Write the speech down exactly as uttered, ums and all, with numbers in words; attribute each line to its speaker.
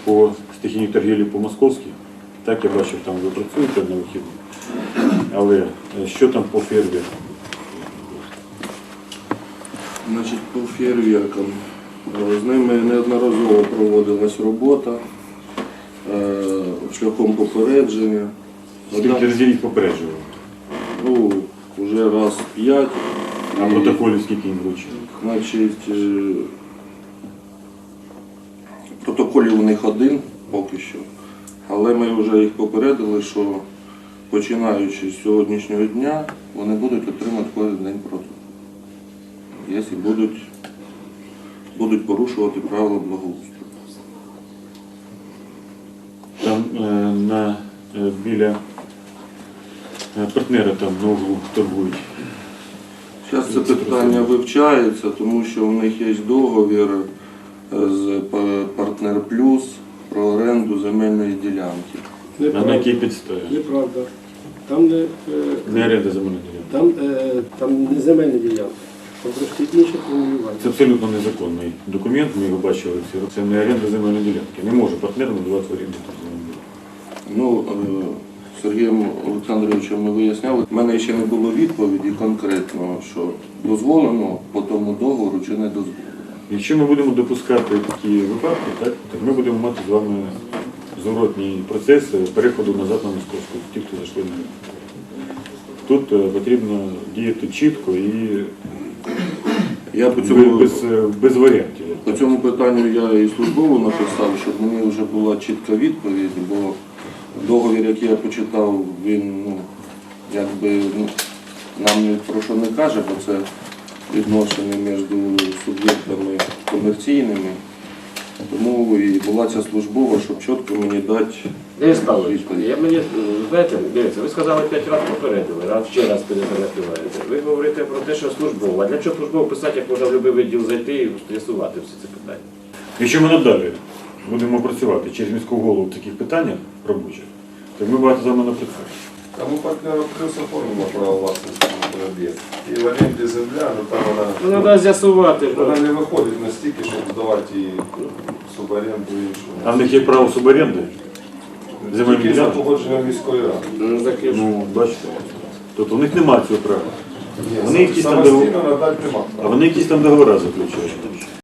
Speaker 1: по стихійній торгівлі по московській. Так, я бачив, там ви працюєте на вихідні. Але що там по фейерверку?
Speaker 2: Значить, по фейерверкам. З ними неодноразово проводилась робота е, шляхом попередження.
Speaker 1: Скільки разів їх попереджували?
Speaker 2: Ну, вже раз п'ять.
Speaker 1: А протоколів скільки їм вручили?
Speaker 2: Значить, е, протоколів у них один поки що. Але ми вже їх попередили, що починаючи з сьогоднішнього дня, вони будуть отримати кожен день протокол. Якщо будуть, будуть порушувати правила благоустрою.
Speaker 1: Там е, на, е, біля е, партнера там на углу торгують.
Speaker 2: Зараз це питання вивчається, тому що у них є договір з Партнер Плюс про оренду земельної ділянки.
Speaker 1: А на якій підставі?
Speaker 3: Неправда. Там не, е,
Speaker 1: Не оренда земельної ділянки.
Speaker 3: там, е, там не земельна ділянка, там трошки інше формулювання.
Speaker 1: Це абсолютно незаконний документ, ми його бачили всі. Це не оренда земельної ділянки. Не може партнер надавати в оренду земельної ділянки.
Speaker 2: Ну, е, Сергієм Олександровичем ми виясняли, в мене ще не було відповіді конкретно, що дозволено по тому договору чи не дозволено.
Speaker 1: Якщо ми будемо допускати такі випадки, так, так ми будемо мати з вами зворотній процес переходу назад на московську, ті, хто зайшли на ринок. Тут е, потрібно діяти чітко і
Speaker 2: Я по цьому,
Speaker 1: без, без варіантів.
Speaker 2: по цьому питанню я і службово написав, щоб мені вже була чітка відповідь, бо договір, який я почитав, він ну, якби ну, нам ні про що не каже, бо це відношення між суб'єктами комерційними. Тому і була ця службова, щоб чітко мені дати
Speaker 4: Денис Павлович,
Speaker 2: відповідь.
Speaker 4: я мені, знаєте, дивіться, ви сказали п'ять разів попередили, раз ще раз перепливаєте. Ви говорите про те, що службово. А для чого службово писати, як можна в будь-який відділ зайти і з'ясувати всі ці питання?
Speaker 1: Якщо ми надалі будемо працювати через міську голову в таких питаннях робочих, то ми багато з вами напрацюємо.
Speaker 5: Там у партнера плюс оформлено право власності на об'єкт. І в оренді земля, ну там вона,
Speaker 4: Ну, треба з'ясувати.
Speaker 5: вона не виходить настільки, щоб здавати її суборенду і іншому.
Speaker 1: А в них є право суборенди? Земельні
Speaker 5: Тільки за
Speaker 1: ділянки?
Speaker 5: погодженням міської ради.
Speaker 4: Ну, таке ж.
Speaker 1: Ну, бачите. Тобто у них немає цього права.
Speaker 5: Ні,
Speaker 1: Вони якісь там
Speaker 5: самостійно надати нема.
Speaker 1: А вони якісь там договори заключають.